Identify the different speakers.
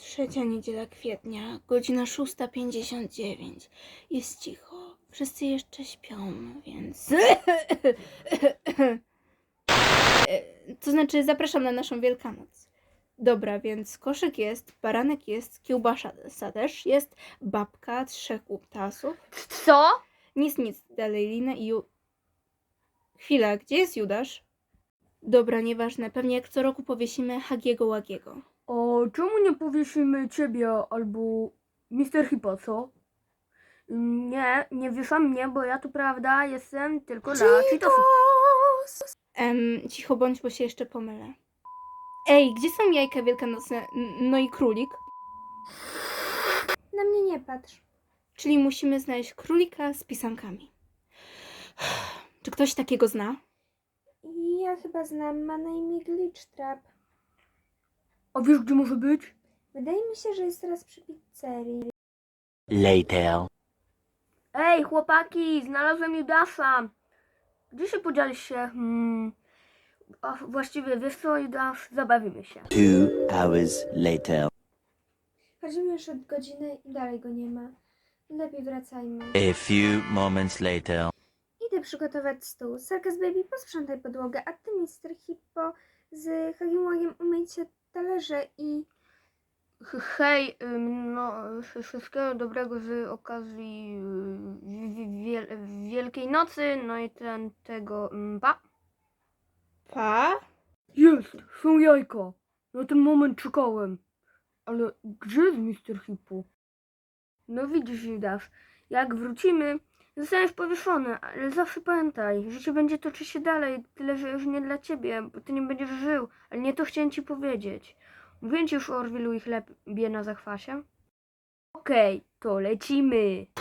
Speaker 1: Trzecia niedziela kwietnia, godzina 6:59. Jest cicho. Wszyscy jeszcze śpią, więc... To znaczy, zapraszam na naszą Wielkanoc. Dobra, więc koszyk jest, baranek jest, kiełbasa też jest, babka, 3 kutasów.
Speaker 2: Co?
Speaker 1: Nic, dalej Lina i Chwila, gdzie jest Judasz? Dobra, nieważne, pewnie jak co roku powiesimy Hagiego Łagiego.
Speaker 2: O, czemu nie powiesimy ciebie albo Mr. Hippo, co? Nie wieszam mnie, bo ja tu prawda jestem tylko dla cheatosów.
Speaker 1: Cicho bądź, bo się jeszcze pomylę. Ej, gdzie są jajka wielkanocne? No i królik?
Speaker 3: Na mnie nie patrz.
Speaker 1: Czyli musimy znaleźć królika z pisankami. Czy ktoś takiego zna?
Speaker 3: Ja chyba znam, ma na imię Glitchtrap.
Speaker 2: A wiesz, gdzie może być?
Speaker 3: Wydaje mi się, że jest teraz przy pizzerii.
Speaker 4: Later.
Speaker 2: Ej, chłopaki, znalazłem Judasa. Gdzie się podzieliście? A właściwie, wiesz co, Judas, zabawimy się.
Speaker 4: 2 hours later.
Speaker 3: Chodzimy już od godziny i dalej go nie ma. Lepiej wracajmy.
Speaker 4: A few moments later.
Speaker 3: Idę przygotować stół. Circus Baby, posprzątaj podłogę, a ty, Mr. Hippo, z Hagiłagiem umyjcie talerze i...
Speaker 2: Hej, no, wszystkiego dobrego z okazji Wielkiej Nocy, no i tego, pa.
Speaker 1: Pa?
Speaker 2: Jest, są jajka. Na ten moment czekałem. Ale gdzie jest Mr. Hippo? No widzisz, Judas, jak wrócimy, zostaniesz powieszony, ale zawsze pamiętaj, życie będzie toczyć się dalej, tyle że już nie dla ciebie, bo ty nie będziesz żył, ale nie to chciałem ci powiedzieć. Mówię ci już o Orwilu i chlebie na zachwasie? Okej, to lecimy.